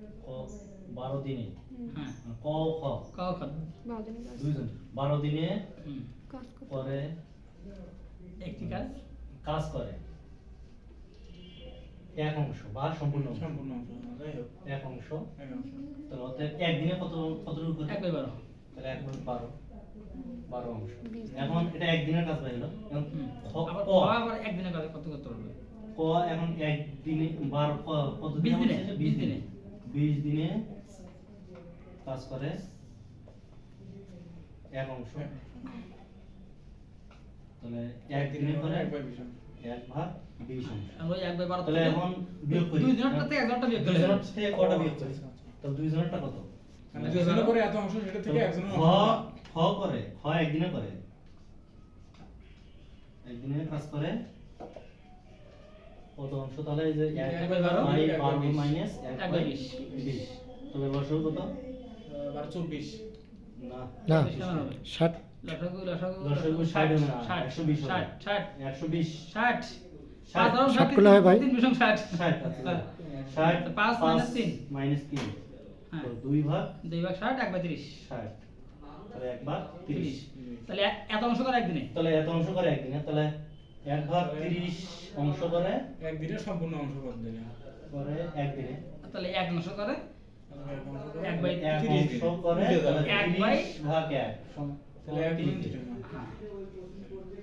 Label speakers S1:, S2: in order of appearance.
S1: ক 12 দিনে
S2: হ্যাঁ
S1: ক খ
S2: ক খ
S1: 12 দিনে
S3: কাজ করতে
S1: করে
S2: একটি কাজ
S1: কাজ করে এক অংশ বা সম্পূর্ণ অংশ।
S4: সম্পূর্ণ অংশ যাই হোক
S1: এক অংশ
S4: এক অংশ
S1: তাহলে অর্থাৎ একদিনে কতটুকু করে
S2: 1/12
S1: তাহলে 1/12 অংশ। এখন এটা একদিনের কাজ হয়ে গেল। এখন
S2: আবার
S1: ক
S2: ক আবার একদিনে কাজ কত করতে পারবে
S1: ক এখন একদিনে 12 কত
S2: 20
S1: দিনে
S2: দিনে,
S1: 20
S2: 20 দিনে।
S1: 20 দিনে কাজ করে এক অংশ। তাহলে একদিনে করে
S4: 1/20
S1: 1/20 অংশ।
S2: আমরা 1/12
S1: তাহলে এখন বিয়োগ করি।
S2: দুই জনেরটা থেকে একজনটা বিয়োগ
S1: দুই
S2: করলে
S1: জনের থেকে কটা বিয়োগ করি? তাহলে দুই জনেরটা কত?
S4: মানে দুজনে করে এত অংশ সেটা থেকে একজনের
S1: খ
S4: অংশ
S1: খ করে খ একদিনে করে একদিনে কাজ করে কত অংশ? তাহলে এই যে
S2: 1/12
S1: মাইনাস
S2: 1/20
S1: 1/20 তাহলে বসো কত?
S4: 24
S1: না
S5: না
S2: কেমন হবে
S5: 60
S2: লসাগু
S1: লসাগু 60 হবে না, 120 হবে।
S2: 60
S1: 120
S2: 60
S1: ষাট।
S5: 60 করলে হয় ভাই?
S2: 3 বিশং 60
S1: 60 আছে 60
S2: 5 minus 3
S1: মাইনাস 3
S2: হ্যাঁ।
S1: তো 2 ভাগ
S2: 2 ভাগ 60 1/30
S1: 60 তাহলে 1 ভাগ 30
S2: তাহলে এত অংশ করে একদিনে
S1: তাহলে এত অংশ করে একদিনে তাহলে 1 ভাগ 30 অংশ করে
S4: একদিনের সম্পূর্ণ অংশ কত দিনে
S1: একদিনে
S2: তাহলে এক অংশ করে
S4: এক
S2: 1/30
S1: এক অংশ করে তাহলে
S2: এক
S1: 30
S2: বাই
S1: ভাগ 1
S4: তাহলে 1
S1: 30
S4: দিন
S2: হ্যাঁ